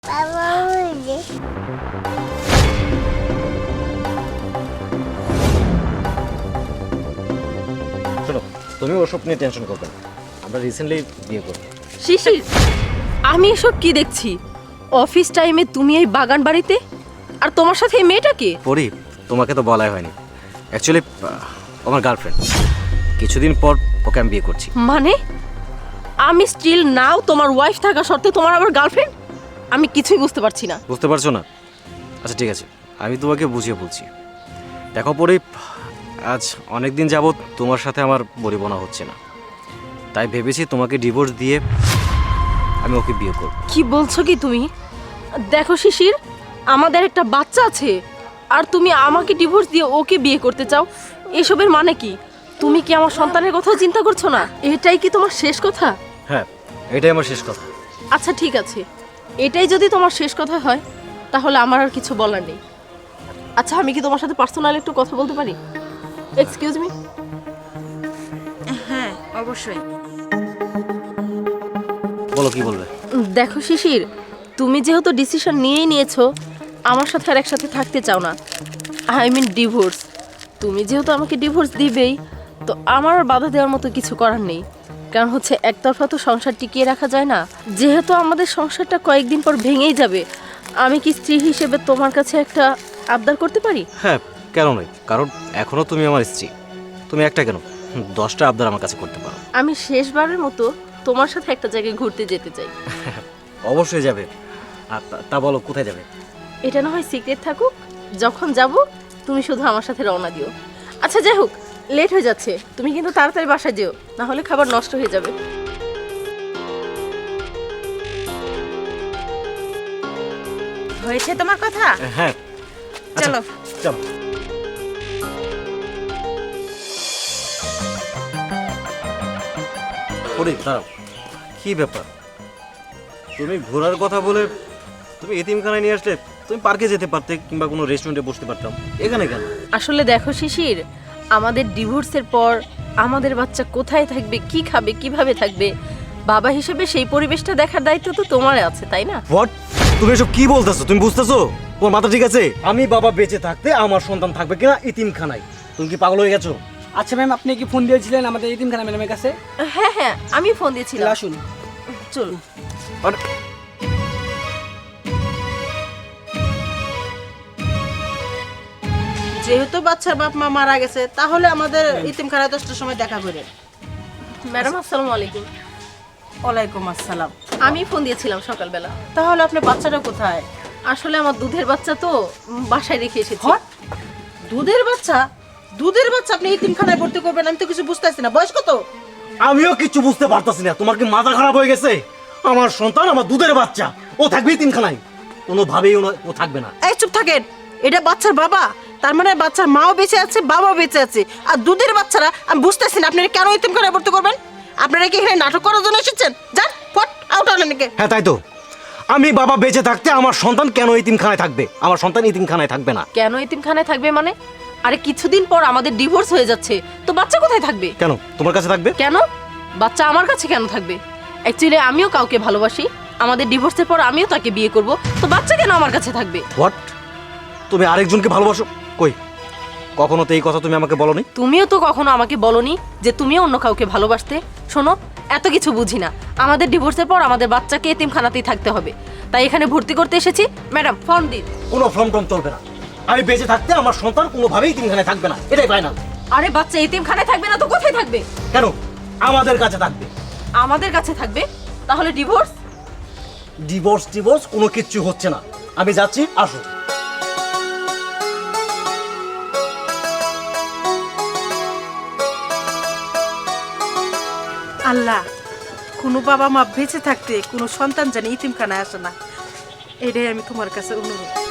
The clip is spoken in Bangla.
বাবা বলে শোনো, তুমি ওসব নিয়ে টেনশন করবে না। আমরা রিসেন্টলি বিয়ে করব। শিশির, আমি এসব কি দেখছি? অফিস টাইমে তুমি এই বাগান বাড়িতে, আর তোমার সাথে এই মেয়েটাকে? পরি, তোমাকে তো বলাই হয়নি। অ্যাকচুয়ালি আমার গার্লফ্রেন্ড। কিছুদিন পর ওকে আমি বিয়ে করছি। মানে আমি স্টিল নাও তোমার ওয়াইফ থাকা সত্ত্বেও তোমার আবার গার্লফ্রেন্ড? আমি কিছুই বুঝতে পারছি না। বুঝতে পারছো না? আচ্ছা ঠিক আছে, আমি তোমাকে বুঝিয়ে বলছি। দেখো পরি, আজ অনেক দিন যাবৎ তোমার সাথে আমার বনিবনা হচ্ছে না, তাই ভেবেছি তোমাকে ডিভোর্স দিয়ে আমি ওকে বিয়ে করব। কি বলছো কি তুমি? দেখো শিশির, আমাদের একটা বাচ্চা আছে, আর তুমি আমাকে ডিভোর্স দিয়ে ওকে বিয়ে করতে চাও? এসবের মানে কি? তুমি কি আমার সন্তানের কথাও চিন্তা করছো না? এটাই কি তোমার শেষ কথা? হ্যাঁ, এটাই আমার শেষ কথা। আচ্ছা ঠিক আছে, এটাই যদি তোমার শেষ কথা হয় তাহলে আমার আর কিছু বলার নেই। আচ্ছা, আমি কি তোমার সাথে পার্সোনাল একটু কথা বলতে পারি? Excuse me. হ্যাঁ অবশ্যই। বলো, কি বলবে? দেখো শিশির, তুমি যেহেতু ডিসিশন নিয়েই নিয়েছো আমার সাথে আর একসাথে থাকতে চাও না, আই মিন ডিভোর্স, তুমি যেহেতু আমাকে ডিভোর্স দিবেই, তো আমার আর বাধা দেওয়ার মতো কিছু করার নেই। কারণ হচ্ছে একতরফা তো সংসার টিকিয়ে রাখা যায় না। যেহেতু আমাদের সংসারটা কয়েকদিন পর ভেঙেই যাবে, আমি কি স্ত্রী হিসেবে তোমার কাছে একটা আবদার করতে পারি? হ্যাঁ, কেন নয়? কারণ এখনো তুমি আমার স্ত্রী। তুমি একটা কেন, 10টা আবদার আমার কাছে করতে পারো। আমি শেষবারের মতো তোমার সাথে একটা জায়গায় ঘুরতে যেতে চাই। অবশ্যই যাবে। আর তা বলো, কোথায় যাবে? এটা না হয় সিক্রেট থাকুক, যখন যাব তুমি শুধু আমার সাথে রওনা দিও। আচ্ছা যাই হোক, লেট হয়ে যাচ্ছে, তুমি কিন্তু তাড়াতাড়ি বাসায় যেও, না হলে খাবার নষ্ট হয়ে যাবে। হয়েছে তোমার কথা? হ্যাঁ, আচ্ছা, চলো। চলো। পরি, দাঁড়াও। কি ব্যাপার? তুমি ঘোরার কথা বলে তুমি এতিমখানায় নিয়ে আসলে? তুমি পার্কে যেতে পারতে, কিংবা কোনো রেস্টুরেন্টে বসতে পারতাম। এখানে কেন? আসলে দেখো শিশির, আমাদের ডিভোর্সের পর আমাদের বাচ্চা কোথায় থাকবে, কি খাবে, কিভাবে থাকবে, বাবা হিসেবে সেই পরিবেশটা দেখার দায়িত্ব তো তোমার আছে, তাই না? হোয়াট? তুমি এসব কি বলতেছো? তুমি বুঝতেছো? তোমার মাথা ঠিক আছে? আমি বাবা বেঁচে থাকতে আমার সন্তান থাকবে কিনা এতিমখানায়? তুমি কি পাগল হয়ে গেছো? আচ্ছা ম্যাম, আপনি কি ফোন দিয়েছিলেন আমাদের এতিমখানা ম্যাডামের কাছে? হ্যাঁ হ্যাঁ, আমি ফোন দিয়েছিলাম। আসুন। চল। আরে, যেহেতু বাচ্চার বাপ মা মারা গেছে, তাহলে আমাদের ইতিমখানায় 10টার সময় দেখা করে। ম্যাডাম আসসালামু আলাইকুম। ওয়ালাইকুম আসসালাম। আমি ফোন দিয়েছিলাম সকালবেলা। তাহলে আপনি বাচ্চাটা কোথায়? আসলে আমার দুধের বাচ্চা তো বাসায় রেখে এসেছি। হট? দুধের বাচ্চা? দুধের বাচ্চা আপনি ইতিমখানায় ভর্তি করবেন? আমি তো কিছু বুঝতেছি না। বয়স কত? আমিও কিছু বুঝতে পারতাছি না। তোমার কি মাথা খারাপ হয়ে গেছে? আমার সন্তান, আমার দুধের বাচ্চা, ও থাকবে এতিমখানায়? কোনোভাবেই ও থাকবে না। এই চুপ থাকেন। এটা বাচ্চার বাবা, তার মানে বাচ্চার মাও বেঁচে আছে, বাবাও বেঁচে আছে। আর দুধের বাচ্চারা, আমি বুঝতেছি না আপনারা কেন ইতিমখানায় ভর্তি করবেন? আপনারা কি এখানে নাটক করার জন্য এসেছেন? যান, ফট আউট হলেন নাকি? হ্যাঁ তাই তো। আমি বাবা বেঁচে থাকতে আমার সন্তান কেন এতিমখানায় থাকবে? আমার সন্তান এতিমখানায় থাকবে না। কেন এতিমখানায় থাকবে মানে? আরে কিছুদিন পর আমাদের ডিভোর্স হয়ে যাচ্ছে, তো বাচ্চা কোথায় থাকবে? কেন তোমার কাছে থাকবে? কেন বাচ্চা আমার কাছে কেন থাকবে? অ্যাকচুয়ালি আমিও কাউকে ভালোবাসি, আমাদের ডিভোর্সের পর আমিও তাকে বিয়ে করব, তো বাচ্চা কেন আমার কাছে থাকবে? হোয়াট? তুমি আরেকজনকে ভালোবাসো? কই, কখনো তো এই কথা তুমি আমাকে বলনি। তুমিও তো কখনো আমাকে বলনি যে তুমিও অন্য কাউকে ভালোবাসতে। শোনো, এত কিছু বুঝি না, আমাদের ডিভোর্সের পর আমাদের বাচ্চাকে এতিমখানাতেই থাকতে হবে, তাই এখানে ভর্তি করতে এসেছি। ম্যাডাম ফর্ম দিন। কোনো ফর্ম টর্ম চলবে না। আমি বেঁচে থাকতে আমার সন্তান কোনোভাবেই এতিমখানায় থাকবে না, এটাই ফাইনাল। আরে বাচ্চা এতিমখানায় থাকবে না তো কোথায় থাকবে? কেন? আমাদের কাছে থাকবে। আমাদের কাছে থাকবে? তাহলে ডিভোর্স? ডিভোর্স কোনো কিচ্ছু হচ্ছে না। আমি যাচ্ছি, আসো। আল্লাহ, কোনো বাবা মা বেঁচে থাকতে কোনো সন্তান জানি ইতিমখানায় আসে না, এটাই আমি তোমার কাছে অনুরোধ।